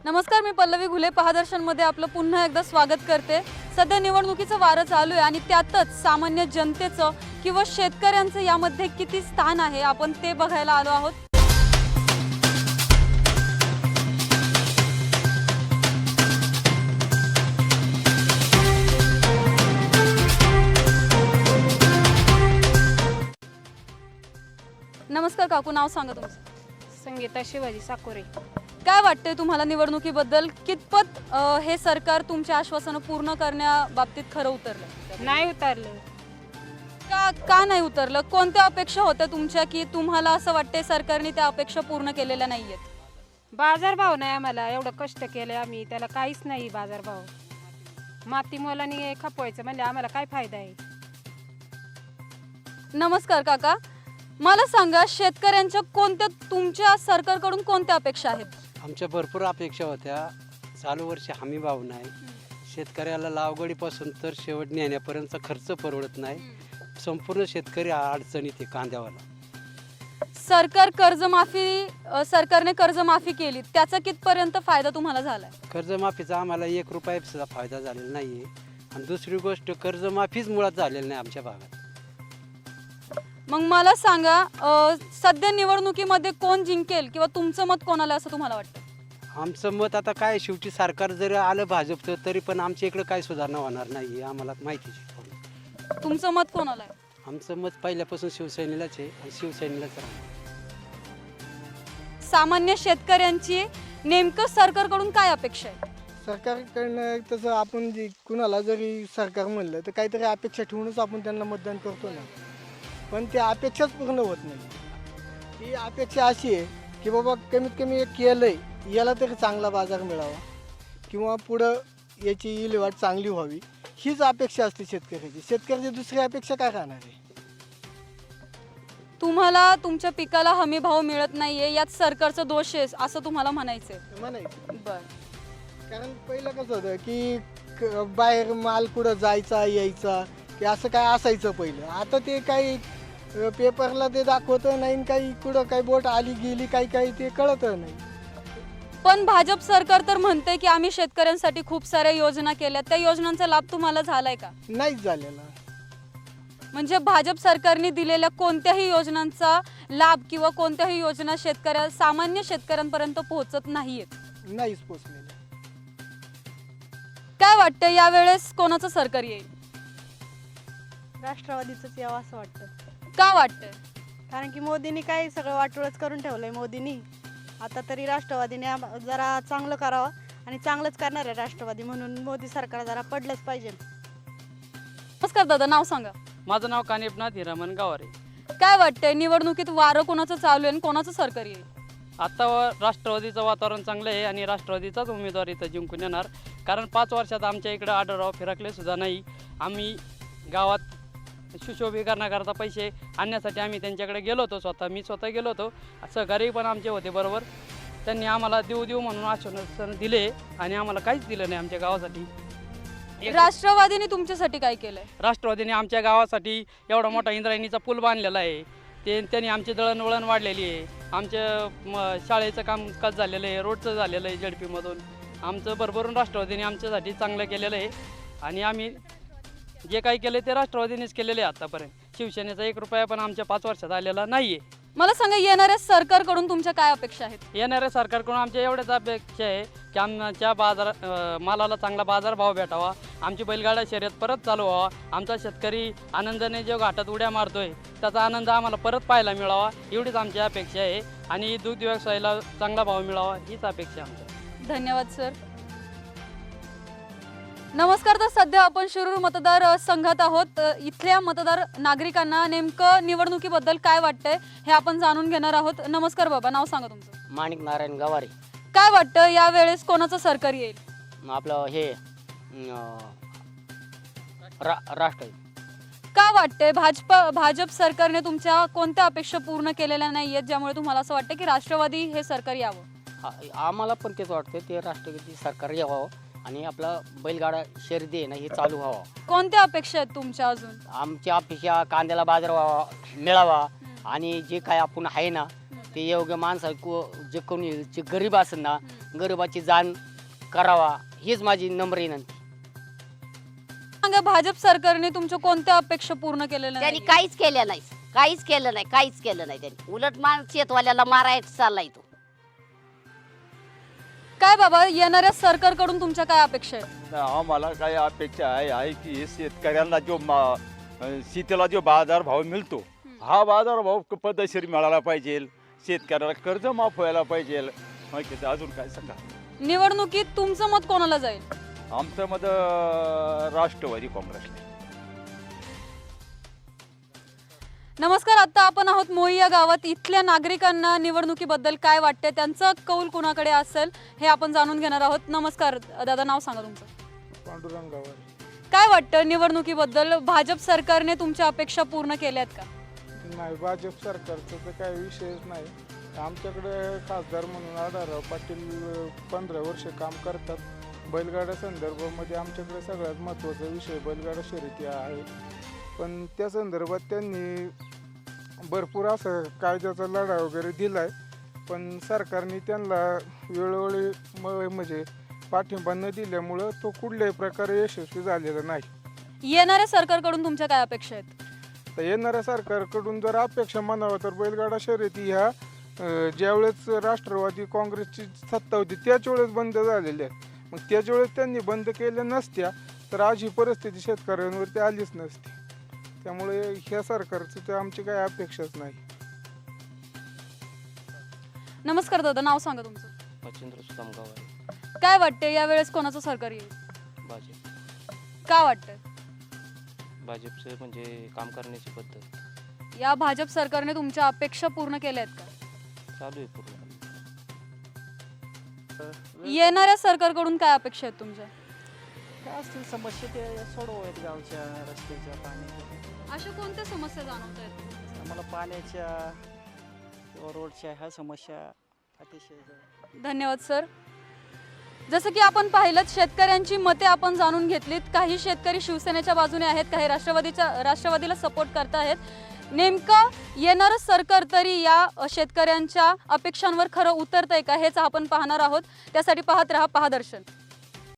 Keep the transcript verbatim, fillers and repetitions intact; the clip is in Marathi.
नमस्कार, मी पल्लवी घुले महादर्शनमध्ये आपलं पुन्हा एकदा स्वागत करते। सध्या निवडणुकीचं वारं चालू आहे आणि त्यातच सामान्य जनतेचं किंवा शेतकऱ्यांचं यामध्ये किती स्थान आहे आपण ते बघायला आलो आहोत। नमस्कार काकू, नाव सांगा तुमचं? संगीता शिवाजी साकोरे। काय वाटतंय तुम्हाला निवडणुकीबद्दल? कितपत अ, हे सरकार तुमच्या आश्वासनं पूर्ण करण्याबाबतीत खरं उतरलं? नाही उतरलं। का का नाही उतरलं? कोणत्या अपेक्षा होत्या तुमच्या की तुम्हाला असं वाटतंय सरकारने त्या अपेक्षा पूर्ण केलेल्या नाहीयेत? बाजारभाव नाही, आम्हाला एवढं कष्ट केले आम्ही, त्याला काहीच नाही बाजारभाव। माती मोलाने खपवायचं म्हणजे आम्हाला काय फायदा आहे? नमस्कार काका, मला सांगा शेतकऱ्यांच्या कोणत्या तुमच्या सरकारकडून कोणत्या अपेक्षा आहेत? आमच्या भरपूर अपेक्षा होत्या। चालू वर्षी हमी भाव नाही, शेतकऱ्याला लावगडीपासून तर शेवट नेण्यापर्यंतचा खर्च परवडत नाही, संपूर्ण शेतकरी अडचणीत आहे कांद्यावाला। सरकार कर्जमाफी अ, सरकारने कर्जमाफी केली, त्याचा कितपर्यंत फायदा तुम्हाला झालाय? कर्जमाफीचा आम्हाला एक रुपया सुद्धा फायदा झालेला नाही आहे आणि दुसरी गोष्ट कर्जमाफीच मुळात झालेली नाही आमच्या भागात। मग मला सांगा अ, सध्या निवडणुकीमध्ये कोण जिंकेल किंवा तुमचं मत कोणाला असं तुम्हाला वाटतं? आमचं मत आता काय, शेवटी सरकार जरी आलं भाजपचं तरी पण आमच्या इकडं काय सुधारणा होणार नाही आम्हाला माहितीच आहे। तुमचं मत कोणाला आहे? आमचं मत पहिल्यापासून शिवसेनेलाच आहे आणि शिवसेनेलाच राहणार। सामान्य शेतकऱ्यांची नेमकं सरकारकडून काय अपेक्षा आहे? सरकारकडनं तसं आपण जे कुणाला जरी सरकार म्हणलं तर काहीतरी अपेक्षा ठेवूनच आपण त्यांना मतदान करतो ना, पण त्या अपेक्षाच पूर्ण होत नाही। ही अपेक्षा अशी आहे की बाबा कमीत कमी एक केलं आहे याला तरी चांगला बाजार मिळावा किंवा पुढं याची विल्हेवाट चांगली व्हावी, हीच अपेक्षा असते शेतकऱ्याची। शेतकऱ्याची दुसरी अपेक्षा काय राहणार आहे? तुम्हाला तुमच्या पिकाला हमी भाव मिळत नाहीये, यात सरकारचा दोष आहे असं तुम्हाला म्हणायचंय? म्हणायचं बर, कारण पहिलं कसं होतं की क- बाहेर माल कुठं जायचा यायचा की असं काय असायचं पहिलं। आता ते काही अ, पेपरला ते दाखवतं नाही, काही कुठं काही बोट आली गेली काही काही ते कळत नाही। पण भाजप सरकार तर म्हणते की आम्ही शेतकऱ्यांसाठी खूप साऱ्या योजना केल्या, त्या योजनांचा लाभ तुम्हाला झालाय का? नाहीच झालेला। म्हणजे भाजप सरकारने दिलेल्या कोणत्याही योजनांचा लाभ किंवा कोणत्याही योजना शेतकऱ्या सामान्य शेतकऱ्यांपर्यंत पोहोचत नाहीयेत? नाहीच पोचलेलं। काय वाटतं यावेळेस कोणाचं सरकार येईल? राष्ट्रवादीचंच यावं असं वाटतं, का वाटतंय? कारण की मोदींनी काय सगळं वाटोळच करून ठेवलंय मोदींनी। आता तरी राष्ट्रवादीने आम- जरा चांगलं करावं आणि चांगलंच करणार आहे राष्ट्रवादी, म्हणून मोदी सरकार जरा पडलंच पाहिजे। नमस्कार दादा, नाव सांगा? माझं नाव कानिपनाथ हिरामन गावारे। काय वाटतंय निवडणुकीत वारं कोणाचं चालू आहे आणि कोणाचं सरकार येईल? आता राष्ट्रवादीचं वातावरण चांगलं आहे आणि राष्ट्रवादीचाच उमेदवार इथं जिंकून येणार, कारण पाच वर्षात आमच्या इकडं आढळराव फिरकले सुद्धा नाही। आम्ही गावात सुशोभीकरणाकरता पैसे आणण्यासाठी आम्ही त्यांच्याकडे गेलो होतो, स्वतः मी स्वतः गेलो होतो, सहकारी पण आमचे होते बरोबर। त्यांनी आम्हाला देऊ देऊ म्हणून आश्वासन दिले आणि आम्हाला काहीच दिलं नाही आमच्या गावासाठी। एक- राष्ट्रवादीने तुमच्यासाठी काय केलंय? राष्ट्रवादीने आमच्या गावासाठी एवढा मोठा इंद्रायणीचा पूल बांधलेला आहे, ते त्यांनी आमची दळणवळण वाढलेली आहे, आमच्या म शाळेचं कामकाज झालेलं आहे, रोडचं झालेलं आहे झडपीमधून, आमचं भरभरून राष्ट्रवादीने आमच्यासाठी चांगलं केलेलं आहे आणि आम्ही जे काही केलं ते राष्ट्रवादीनेच केलेलं आहे आतापर्यंत। शिवसेनेचा एक रुपया पण आमच्या पाच वर्षात आलेला नाही आहे। मला सांगा येणाऱ्या सरकारकडून तुमच्या काय अपेक्षा आहेत? येणाऱ्या सरकारकडून आमच्या एवढ्याच अपेक्षा आहे की आमच्या बाजार अ, मालाला चांगला बाजारभाव भेटावा, आमची बैलगाडा शर्यत परत चालू व्हावा, आमचा शेतकरी आनंदाने जो घाटात उड्या मारतोय त्याचा आनंद आम्हाला परत पाहायला मिळावा, एवढीच आमची अपेक्षा आहे आणि दूध व्यवसायाला चांगला भाव मिळावा हीच अपेक्षा आमची। धन्यवाद सर। नमस्कार, तर सध्या आपण शिरूर मतदार अ, संघात आहोत। अ, इथल्या मतदार नागरिकांना नेमकं निवडणुकीबद्दल काय वाटतंय हे आपण जाणून घेणार आहोत। नमस्कार बाबा, नाव सांगा तुमचं? माणिक नारायण गवारे। काय वाटतं यावेळेस कोणाचं सरकार येईल? आपलं हे अं, रा राष्ट्र का वाटतंय भाजप भाजप सरकारने तुमच्या कोणत्या अपेक्षा पूर्ण केलेल्या नाहीयेत ज्यामुळे तुम्हाला असं वाटतं की राष्ट्रवादी हे सरकार यावं? आ- आम्हाला पण तेच वाटतं, ते राष्ट्रवादी सरकार यावं आणि आपला बैलगाडा शर्यती आहे ना हे चालू व्हावं। कोणत्या अपेक्षा आहेत तुमच्या अजून? आमची अपेक्षा कांद्याला बाजार व्हावा मिळावा आणि जे काय आपण आहे ना ते योग्य माणसं को जे कोणी जे गरीब असेल ना गरिबाची जाण करावा हीच माझी नम्र विनंती. सांगा, भाजप सरकारने तुमच्या कोणत्या अपेक्षा पूर्ण केलेल्या त्यांनी नाही? काहीच केलं नाही काहीच केलं नाही काहीच केलं नाही त्यांनी उलट मान शेतवाल्याला मारायचा चाललाय तो. काय बाबा, येणाऱ्या सरकारकडून तुमच्या काय अपेक्षा आहेत? आम्हाला काय अपेक्षा आहे आहे की शेतकऱ्यांना जो मा शेतीला जो बाजारभाव मिळतो हा बाजारभाव पद्धतशीर मिळाला पाहिजे, शेतकऱ्याला कर्ज माफ व्हायला पाहिजे. माहिती अजून काय सांगा. निवडणुकीत तुमचं मत कोणाला जाईल? आमचं मत अं, राष्ट्रवादी काँग्रेसला. नमस्कार, आता आपण आहोत मोई या गावात. इथल्या नागरिकांना निवडणुकीबद्दल काय वाटते, त्यांचं कौल कुणाकडे असेल हे आपण जाणून घेणार आहोत. नमस्कार दादा, नाव सांगा तुमचं. पांडुरंगावर काय वाटतं निवडणुकीबद्दल? भाजप सरकारने तुमच्या अपेक्षा पूर्ण केल्यात का? नाही, भाजप सरकारचा तर काही विषयच नाही. आमच्याकडे खासदार म्हणून आढळराव पाटील पंधरा वर्ष काम करतात. बैलगाड्या संदर्भामध्ये आमच्याकडे सगळ्यात महत्त्वाचा विषय बैलगाडा शर्यती आहे. पण त्या संदर्भात त्यांनी भरपूर असं कायद्याचा लढा वगैरे दिला आहे, पण सरकारने त्यांना वेळोवेळी म म्हणजे पाठिंबा न दिल्यामुळं तो कुठल्याही प्रकारे यशस्वी झालेला नाही. येणाऱ्या सरकारकडून तुमच्या काय अपेक्षा आहेत? तर येणाऱ्या सरकारकडून जर अपेक्षा म्हणावं तर बैलगाडा शर्यती ह्या अं, ज्यावेळेस राष्ट्रवादी काँग्रेसची सत्ता होती त्याच वेळेस बंद झालेल्या आहेत. मग त्याच वेळेस त्यांनी बंद केल्या नसत्या तर आज ही परिस्थिती शेतकऱ्यांवरती आलीच नसती. त्यामुळे ह्या सरकारचं तर आमची काही अपेक्षाच नाही. नमस्कार दादा, नाव सांगा तुमचं. मच्छिंद्र सुदाम गावारी. काय वाटते यावेळेस कोणाचं सरकार येईल? भाजप. का वाटतंय? भाजपचं म्हणजे काम करण्याची पद्धत या भाजप सरकारने तुमच्या अपेक्षा पूर्ण केल्या आहेत का? चालू आहे पूर्ण. येणाऱ्या सरकारकडून काय अपेक्षा आहेत तुमच्या? काय असतील समस्या ते सोडवायत गावच्या रस्त्याच्या पाण्याच्या. अशा कोणत्या समस्या जाणवत आहेत? आम्हाला पाण्याच्या किंवा रोडच्या ह्या समस्या अतिशय. धन्यवाद सर. जसं की आपण पाहिलं, शेतकऱ्यांची मते आपण जाणून घेतलीत. काही शेतकरी शिवसेनेच्या बाजूने आहेत, काही राष्ट्रवादीच्या राष्ट्रवादीला सपोर्ट करत आहेत. नेमकं येणारं सरकार तरी या शेतकऱ्यांच्या अपेक्षांवर खरं उतरतंय का हेच आपण पाहणार आहोत. त्यासाठी पाहत रहा पहादर्शन.